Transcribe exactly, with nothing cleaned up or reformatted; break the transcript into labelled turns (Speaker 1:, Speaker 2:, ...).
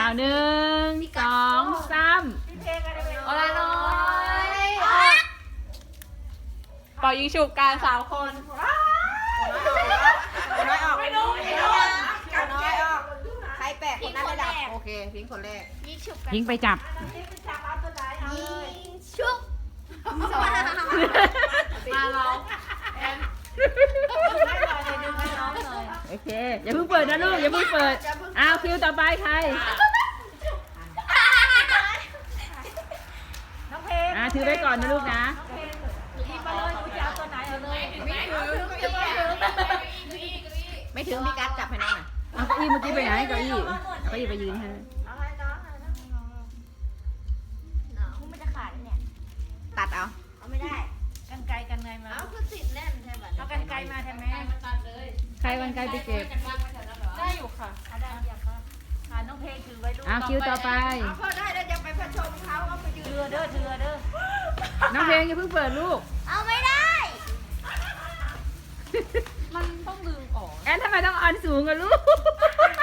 Speaker 1: เอาหนึ่งสองสามเอาละน้อยเป่ายิงฉุบการสามคน
Speaker 2: น้อยออกไม่รู้ไม่รู้น้อยออกใครแปะคนนั้นได้ดับโอเคพิงคนแรก
Speaker 3: ยิงฉุบ
Speaker 1: ยิงไปจับ
Speaker 3: ยิงฉุบสอง
Speaker 2: มาเรา
Speaker 1: โอเคอย่าเพิ่งเปิดนะลูกอย่าเพิ่งเปิดอ้าวคิวต่อไปใครอ่าถือไว้ก่อนนะลูกนะ
Speaker 2: ไม่ถึงพี่กัดจับให้น้องหน่อย
Speaker 1: เอาเก้าอี้เมื่อกี้ไปไหนเก้าอี้เก้าอี้ไปยืนให้
Speaker 3: มันจะขาดเนี่ย
Speaker 2: ตัดเอา
Speaker 3: เอาไม่ได้
Speaker 4: กันไกลกันไงมา
Speaker 3: เอาคือติดแน่นใช่ไหม
Speaker 4: เอากันไกลมาแทนแม่
Speaker 1: ใครวันไกลไปเก็บ
Speaker 4: ได้อยู่ค่ะ
Speaker 3: เอาได้อยากก็
Speaker 4: หาน้องเพลงถือไว้ลูก
Speaker 1: อ้าวคิวต่อไป
Speaker 2: เอาพอได้แล้วจะไปผชมเขาเอาไปยืน
Speaker 4: เถือเด้อเถือเด้อ
Speaker 1: น้องเพลงอย่าเพิ่งเปิดลูก
Speaker 3: เอาไม่ได้
Speaker 4: มันต้องดึงออก
Speaker 1: แอนทำไมต้องเอันสูงกับลูก